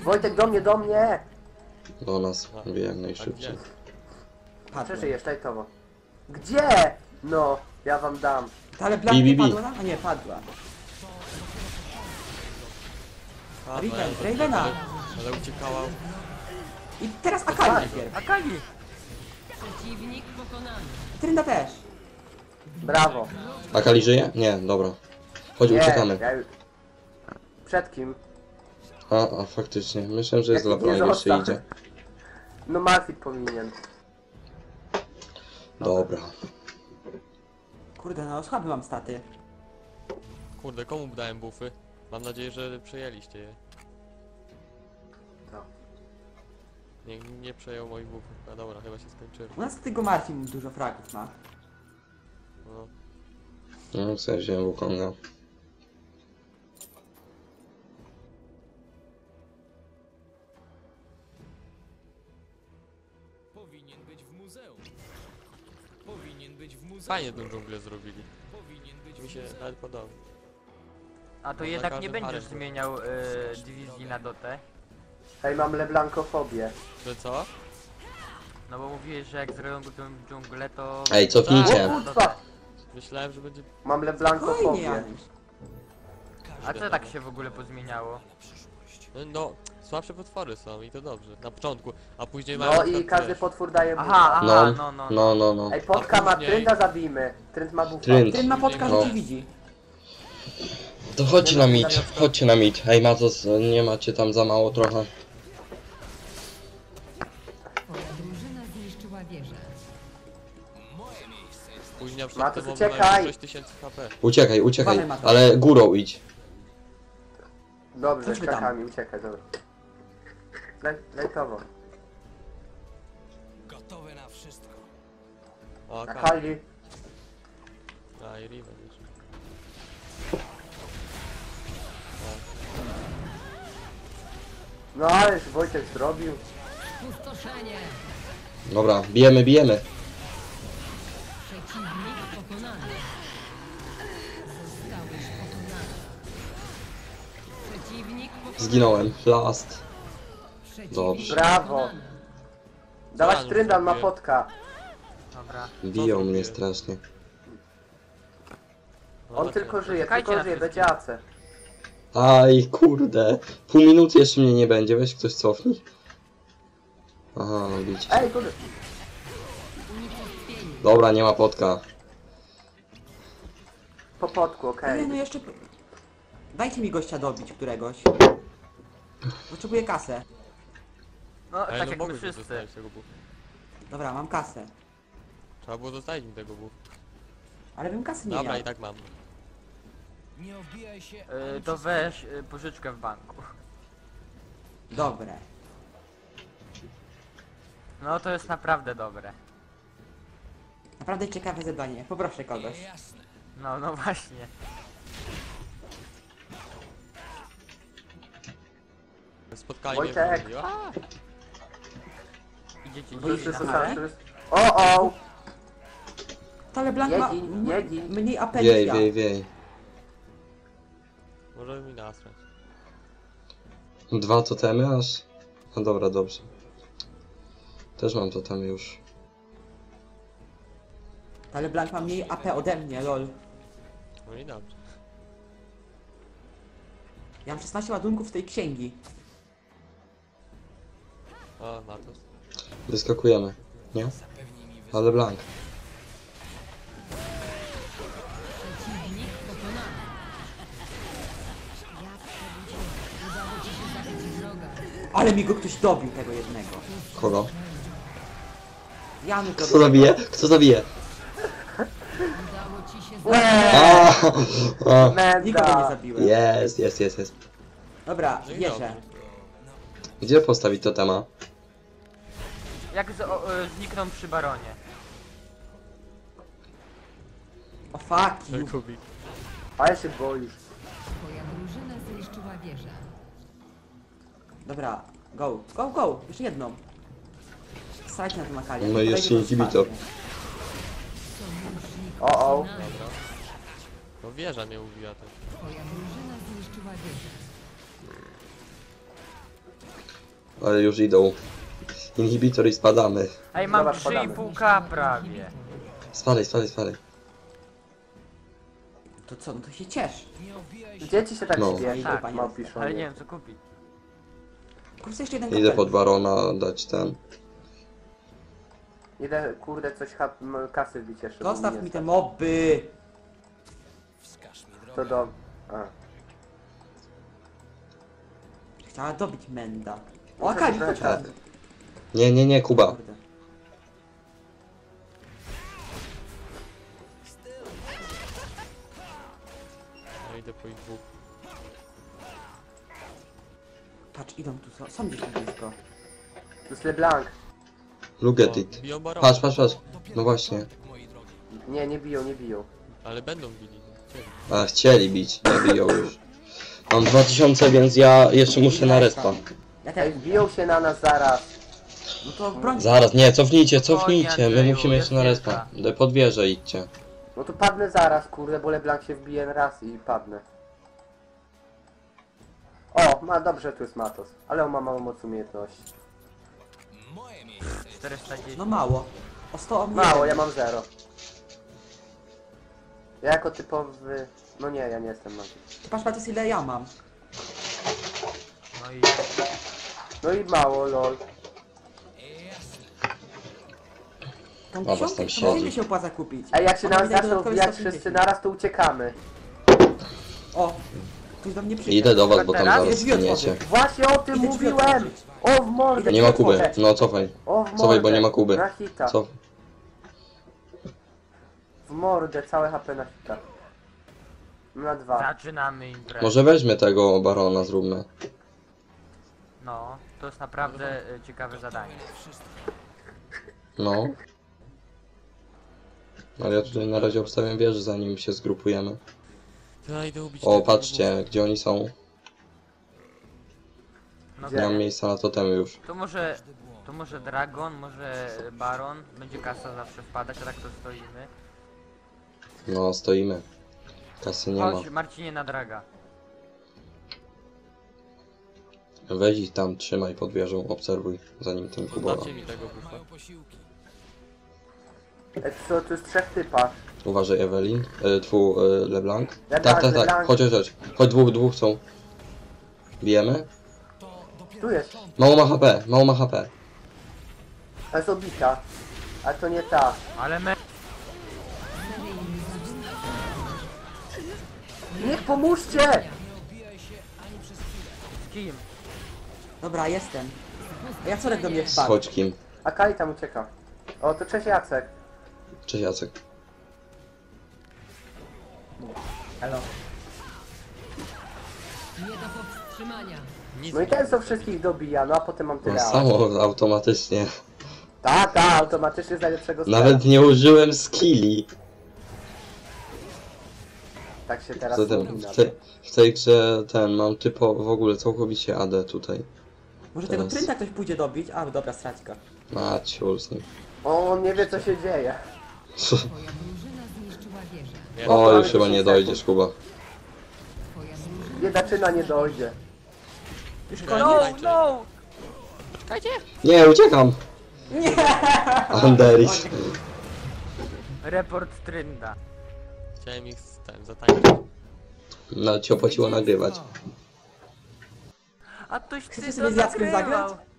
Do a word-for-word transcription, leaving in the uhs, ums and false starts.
Wojtek, do mnie, do mnie! Do nas, wie jak najszybciej. Przeżyjesz, tajtowo. Gdzie? No, ja wam dam. Ale Black nie Bi, bi, bi. padła? A nie, padła. A, Riven, no, ja- Ravena. ale, ale uciekała. I teraz Akali najpierw. Akali! Przeciwnik pokonany. Trynda też. Brawo. Akali żyje? Nie, dobra. Chodź, Nie, uciekamy. ja już... Przed kim? A, a faktycznie. Myślałem, że jest Jaki dla broni, jeszcze został? idzie. No Malfit powinien. Dobra. Kurde, no słaby mam staty. Kurde, komu dałem bufy? Mam nadzieję, że przejęliście je. To. Nie, nie przejął moich bufów. A dobra, chyba się skończyły. U nas tylko Marcin dużo fragów ma. No. No, w sensie Wukonga. Powinien być w muzeum. Powinien być w muzeum. Fajnie tą dżunglę zrobili. Powinien być Mi w się muzeum. nawet podoba. A to No, jednak na nie każdym będziesz arenie. zmieniał y, dywizji na dotę. Hej, mam leblankofobię. Że co? No bo mówiłeś, że jak zrobią tą dżunglę, to... Ej, cofnijcie. O kurwa! Myślałem, że będzie... Mam Fajnie, leblankofobię. Janusz. A co tak się w ogóle pozmieniało? No, no, słabsze potwory są i to dobrze. Na początku, a później No mają... i tam każdy też. potwór daje bufa. Aha, aha, No, no, no. no, no, no. Ej, Potka ma później- Trynda, zabijmy. Trynd ma bufa. Trynd. Tryn ma podka, No. że cię widzi. To chodźcie na mit, chodźcie na mit. Ej, Mazos, nie macie tam za mało trochę? Twoja drużyna zniszczyła wieżę. Później przed Matus, tym uciekaj! sześć tysięcy H P. Uciekaj, uciekaj, Mamy Mazos. ale górą idź. Dobrze, Chodźmy tam. krakami, uciekaj, dobra. Lej, lejtowo. Gotowe na wszystko. O, Na Akali. Kali. A, i Riven już. No ależ Wojtek zrobił. Pustoszenie. Dobra, bijemy, bijemy. Przeciwnik pokonany. Zostałeś pokonany. Przeciwnik pokonany. Zginąłem. Last. Przeciwnik Dobrze. Brawo. pokonany. Dawać Zaraz Tryndan ma zrobię. potka. Dobra. Biją zrobię? mnie strasznie. No, On tak tylko jest. żyje, Czekajcie tylko na żyje, wszystkich. będzie A C. Aj, kurde. Pół minuty jeszcze mnie nie będzie, weź ktoś cofnij. Aha, no bić. Ej, kurde. Unicestwienie. Dobra, nie ma potka. Po potku, Nie, okej. no jeszcze... Dajcie mi gościa dobić któregoś. Potrzebuję kasę. No, Ej, tak no jak my mogłeś mi wszyscy. zostawić tego buffa. Dobra, mam kasę. Trzeba było zostawić mi tego buffa. Ale bym kasy nie Dobra, miał. i tak mam. Nie obijaj się. Y, to weź y, pożyczkę w banku. Dobre. No to jest naprawdę dobre. Naprawdę ciekawe zadanie. Poproszę kogoś. Jasne. No, no właśnie. Spotkali Wojtek. mnie w A! Idziecie Wszyscy dzisiaj są na tam, halę? wszyscy. O, o! Ale Blank ma Jedzi, m- jedzi. mniej A P niż Wiej, ja. wiej, wiej. Może mi nasrać. Dwa totemy aż? No dobra, dobrze. Też mam totemy już. Ale Blank ma mniej A P ode mnie, lol. No i dobrze. Ja mam szesnaście ładunków z tej księgi. O, Matus. Wyskakujemy. Nie? Ale blank. Przeciwnik pokonany. Udało ci się zabić wroga. Ale mi go ktoś dobił, tego jednego. Kogo? Janusz Kto dobił. zabije? Kto zabije? Udało ci się zabić. A, a. Nikogo nie Menda! zabiłem. Jest, jest, jest, jest. Dobra, No i wierzę. dobrze. Gdzie postawić totema? Jak z, o, y, znikną przy baronie. O fuck you. Kubik. Ale się boisz. Twoja drużyna zniszczyła wieżę. Dobra, go, go, go, jeszcze jedną. Strajcie na tym Akalię. No i jeszcze inhibitor. Sojusznik O, o. pokonany. Dobra. No wieża mnie ubiła tak. Twoja drużyna zniszczyła wieżę. Ale już idą. Inhibitor i spadamy. Ej, mam Zobacz, trzy i podamy. pół K prawie. Spadaj, spadaj, spadaj. To co, no to się ciesz. Dzieci się tak No. śmieją, Tak, tak, małpiszą. Ale nie wiem co kupić. Kurczę, jeszcze jeden Idę kapel. pod barona dać ten. Idę, kurde, coś hap, m, kasy wbić jeszcze. bo Zostaw nie mi te stać. moby. Wskaż mi drogę. To do... A. Chciała dobić Menda. O, Muszę Akali, trochę chodź kasy. chodź. Nie, nie, nie, Kuba. Kurde. Ja idę po ich dwóch. Patrz, idą tu, są, są gdzieś tu blisko. To jest LeBlanc. Look at O, it. biją barona. Patrz, patrz, patrz. No właśnie. Moi drogi. Nie, nie biją, nie biją. Ale będą bili. no, chcieli. A, chcieli bić, nie biją już. Mam dwa tysiące, więc ja jeszcze muszę na respa. Ja Ej, też. biją się na nas zaraz. No to broń. Zaraz, nie, cofnijcie, Spokojnie, cofnijcie. My Andrzeju, musimy jeszcze na jest respa. D- Pod wieżę idźcie. No to padnę zaraz, kurde, bo LeBlanc się wbije raz i padnę. O, ma dobrze, tu jest Matos. Ale on ma małą moc umiejętności. Moje miejsce. czterysta dziesięć. No mało. O sto o mnie. Mało, ja mam zero. Ja jako typowy... No nie, ja nie jestem magik. Patrz, patrz ile ja mam. No i No i mało, lol. Tą was książkę tam to siedzi. może się opłaca kupić. Ej, jak się Ona nas mi daje zaczną dodatkowe wbijać sto wszyscy pięćdziesiąt. naraz, to uciekamy. O, ktoś do mnie przyjdzie. Idę do was, bo tam Teraz? zaraz Drzwi otworzę. zginiecie. Właśnie o tym Idę drzwi mówiłem! otworzyć. O, w mordę! Nie ma Kuby, no cofaj. O, w mordę! Cofaj, bo nie ma Kuby. Na hita. Co? W mordę, całe H P na hita. Na dwa. zaczynamy imprezę. Może weźmy tego barona, zróbmy. No, to jest naprawdę y, ciekawe zadanie. No. Ale ja tutaj na razie obstawiam wieżę, zanim się zgrupujemy. Ja idę ubić O, tego patrzcie, gdzie oni są. No Gdzie? Nie mam to, miejsca na totemy już. to może, to może Dragon, może Baron, będzie kasa zawsze wpadać, a tak to stoimy. No, stoimy. Kasy nie ma. Chodź Marcinie na Draga. Weź ich tam, trzymaj pod wieżą, obserwuj, zanim ten bufa. Kubola. Dajcie mi tego bufa. Mają posiłki. Ej, co, tu jest trzech typa. Uważaj, Evelyn. E, twu, e, LeBlanc. LeBlanc, Tak, tak, tak. LeBlanc. Chodź, chodź, chodź. Chodź, dwóch, dwóch są. Bijemy? Tu jest. Mało ma H P, mało ma H P. To jest obita. A to nie ta. Ale me... Niech pomóżcie! z kim? Dobra, jestem. A Jacorek do mnie wpadł. Schodź kim. A Kali tam ucieka. O, to cześć Jacek. Cześć Jacek. Elo. Nie do powstrzymania. Nic No i nie ten co robię. wszystkich dobija, no a potem mam No tyle. samo automatycznie. Ta, ta, automatycznie z najlepszego stara. Nawet nie użyłem skilli. Tak się teraz Zatem mówi na w, te, w tej grze ten mam typo w ogóle całkowicie A D tutaj. Może tego Teraz. trynda ktoś pójdzie dobić? A, dobra, strać go. Maciul z nim. O, on nie wie co się dzieje. Twoja drużyna zniszczyła wieżę. Nie, O, mamy już chyba nie dziesięć dojdziesz, Kuba. Twoja drużyna Biedaczyna nie dojdzie. Już Ja koniec? No, tańczę. no! Nie, uciekam! Anderis. Report Trynda. Chciałem ich z- ten, zatańczyć. Nawet ci opłaciło nagrywać. A toś Chcecie ty sobie to z Jackiem nagrywał. zagrać?